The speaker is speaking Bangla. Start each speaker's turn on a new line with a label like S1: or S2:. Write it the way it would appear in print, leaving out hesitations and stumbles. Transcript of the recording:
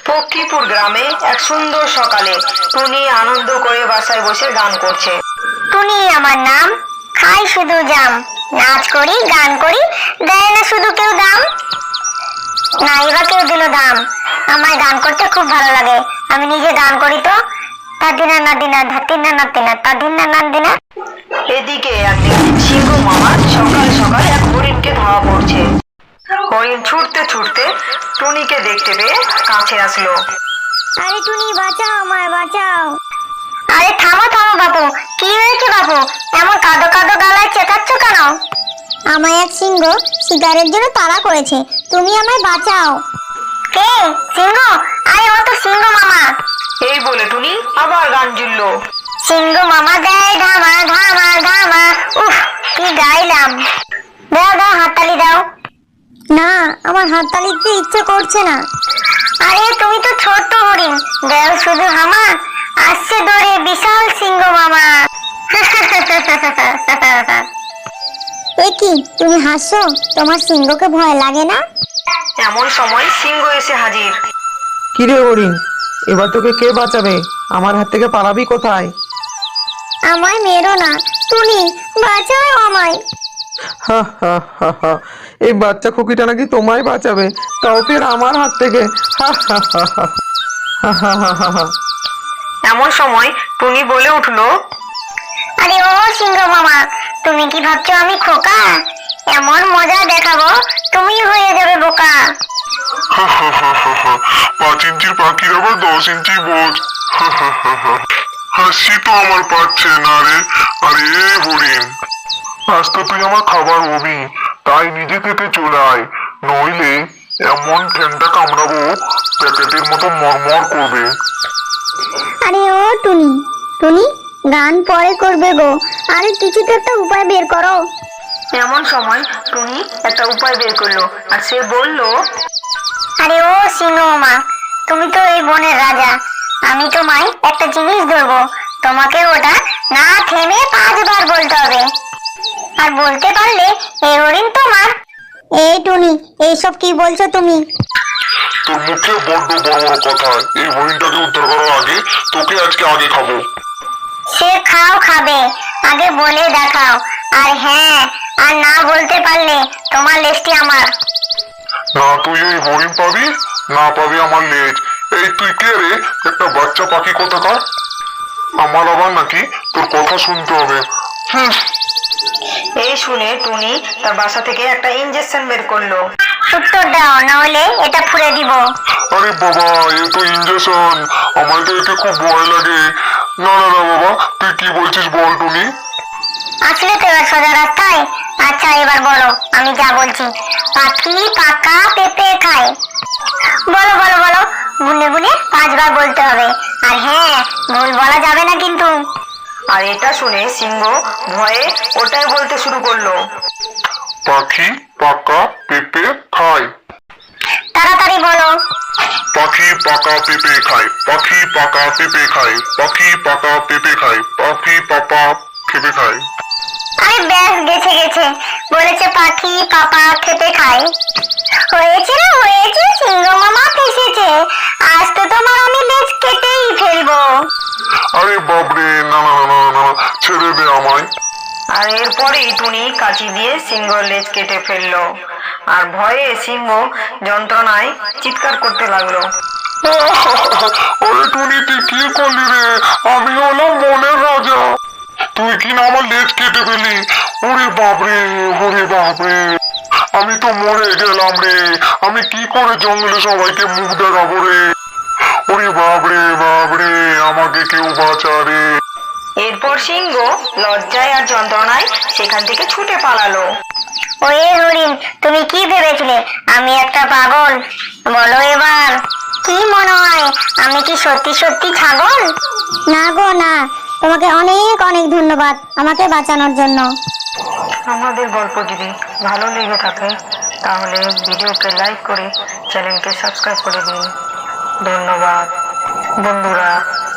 S1: পক্ষীপুর গ্রামে এক সুন্দর সকালে টুনি আনন্দ করে বাসায় বসে গান করছে।
S2: টুনি আমার নাম, খাই শুধু জাম, নাচ করি গান করি, দেয় না শুধু কেউ দাম। নাই বা কেউ দিল দাম। আমার গান করতে খুব ভালো লাগে, আমি নিজে গান করি তো। তাদিনা নাদিনা ধাতিনা নাতিনা তাদিনা নাদিনা।
S1: এদিকে একদিন সিংহ মামা সকাল সকাল এক হরিণকে ধাওয়া করছে। হরিণ ছুটতে ছুটতে টুনিকে দেখতে পেয়ে কাছে আসলো।
S2: আরে টুনি বাঁচাও, আমায় বাঁচাও। আরে থামো থামো বাবু, কি হয়েছে বাবু? এমন কাঁদো কাঁদো গলায় চেঁচাচ্ছ কেন? আমায় এক সিংহ শিকারের জন্য তাড়া করেছে, তুমি আমায় বাঁচাও। কে? সিংহ? আরে ও তো সিংহ মামা।
S1: এই বলে টুনি আবার গান জুড়লো।
S2: সিংহ মামা দেয় ধামা ধামা ধামা। উফ, কি গাইলাম। দাও দাও হাততালি দাও। না, আমার হাততালি দিতে ইচ্ছে করছে না। আরে তুমি তো ছোট্ট হরিণ, দেও শুধু হামা। আসছে দৌড়ে বিশাল সিংহ মামা। এ কি, তুমি হাসছো? তোমার সিংহকে ভয় লাগে না?
S1: এমন সময় সিংহ এসে হাজির।
S3: কিরে হরিণ, এবার তোকে কে বাঁচাবে? আমার হাত থেকে পালাবি কোথায়?
S2: আমায় মেরো না টুনি, বাঁচাও আমায়।
S3: হা হা হা হা, এই বাচ্চা খুকিটা নাকি তোমায় বাঁচাবে, তাও ফের আমার হাত থেকে। হা হা হা হা হা হা হা হা হা।
S1: এমন সময় টুনি বলে উঠলো,
S2: আরে ও সিংহ মামা, তুমি কি ভাবছো আমি খোকা? এমন মজা দেখাবো তুমি হয়ে যাবে বোকা।
S4: 5 ইঞ্চির পাখির আবার 10 ইঞ্চি বোঝ। হাসি তো আমার পাচ্ছে না রে। আরে হরিণ, আজ তো তুই আমার খাবার হবি, তাই নিজে থেকে চলে আয়, নইলে এমন ঠ্যাংটা কামড়াবো প্যাকেটের মতো মরমর করবে।
S2: আরে ও টুনি, টুনি গান পরে করবে গো, আরে কিছু তো একটা উপায় বের করো।
S1: এমন সময় টুনি একটা উপায় বের করলো আর সে বলল,
S2: আরে ও সিংহ মামা, তুমি তো এই বনের রাজা, আমি তোমায় একটা জিনিস ধরবো, তোমাকে ওটা না থেমে 5 বার বলতে হবে, আর বলতে পারলে এই হরিণ তোমার। এই টুনি, এইসব কি বলছো তুমি?
S4: তোর মুখে বড্ড বড় বড় কথা। এই হরিণটাকে উদ্ধার করার আগে তোকে আজকে আগে খাবো।
S2: সে খাও খাবে, আগে বলে দেখাও। আর হ্যাঁ, আর না বলতে পারলে তোমার লেজটি আমার।
S4: না তুই ওই হরিণ পাবি, না পাবি আমার লেজ। এই তুই কে রে? একটা বাচ্চা পাখি কোথাকার? আমার আবার নাকি তোর কথা শুনতে হবে।
S1: এই শুনে টুনি তার বাসা থেকে একটা ইনজেকশন বের করলো।
S2: উত্তর দাও, না হলে এটা ফুঁড়ে দিব।
S4: আরে বাবা, এ তো ইঞ্জেকশন, আমার তো এতে খুব ভয় লাগে। না না না বাবা, তুই কি বলছিস বল টুনি।
S2: আসলে তো এবার সোজা রাস্তায়। আচ্ছা এবার বলো, আমি যা বলছি। পাখি পাকা পেঁপে খায়। বলো বলো বলো, গুনে গুনে 5 বার বলতে হবে, আর হ্যাঁ, ভুল বলা যাবে না কিন্তু।
S1: আর এটা শুনে সিংহ ভয়ে ওটাই বলতে শুরু করলো।
S4: পাখি পাকা পেঁপে খায়।
S2: তাড়াতাড়ি বলো।
S4: পাখি পাকা পেঁপে খায়, পাখি পাকা পেঁপে খায়, পাখি পাকা পেঁপে খায়, পাখি পাপা খেপে খায়।
S2: আরে ব্যাস, গেছে গেছে, বলেছে পাখি পাপা খেতে খায়। হয়েছে না হয়েছে, সিংহ মামা ফেসেছে। আজ তো তোমার আমি লেজ কেটেই ফেলবো।
S4: আরে বাবরে, না না না না না, ছেড়ে দে আমায়।
S1: আর এরপরেই টুনি কাঁচি দিয়ে সিংহর লেজ কেটে ফেললো। আর ভয়ে সিংহ যন্ত্রণায় চিৎকার করতে লাগলো।
S4: আরে টুনি, তুই কি করলি রে? আমি হলাম বনের রাজা, তুই কি না আমার লেজ কেটে ফেলি? ওরে বাপরে, ওরে বাপরে, আমি তো মরে গেলাম রে। আমি কি করে জঙ্গলে সবাইকে মুখ দেখাবো রে? ওরে বাপরে বাপরে, আমাকে কেউ বাঁচা রে।
S1: এরপর সিংহ লজ্জায় আর যন্ত্রণায় সেখান থেকে ছুটে পালালো।
S2: ওয়ে হরিণ, তুমি কি ভেবেছিলে আমি একটা পাগল? বলো এবার, কি মনে হয় আমি কি সত্যি সত্যি ছাগল? না গো না, তোমাকে অনেক অনেক ধন্যবাদ আমাকে বাঁচানোর জন্য।
S1: আমাদের গল্প যদি ভালো লেগে থাকে তাহলে ভিডিওকে লাইক করে চ্যানেলকে সাবস্ক্রাইব করে দিন। ধন্যবাদ বন্ধুরা।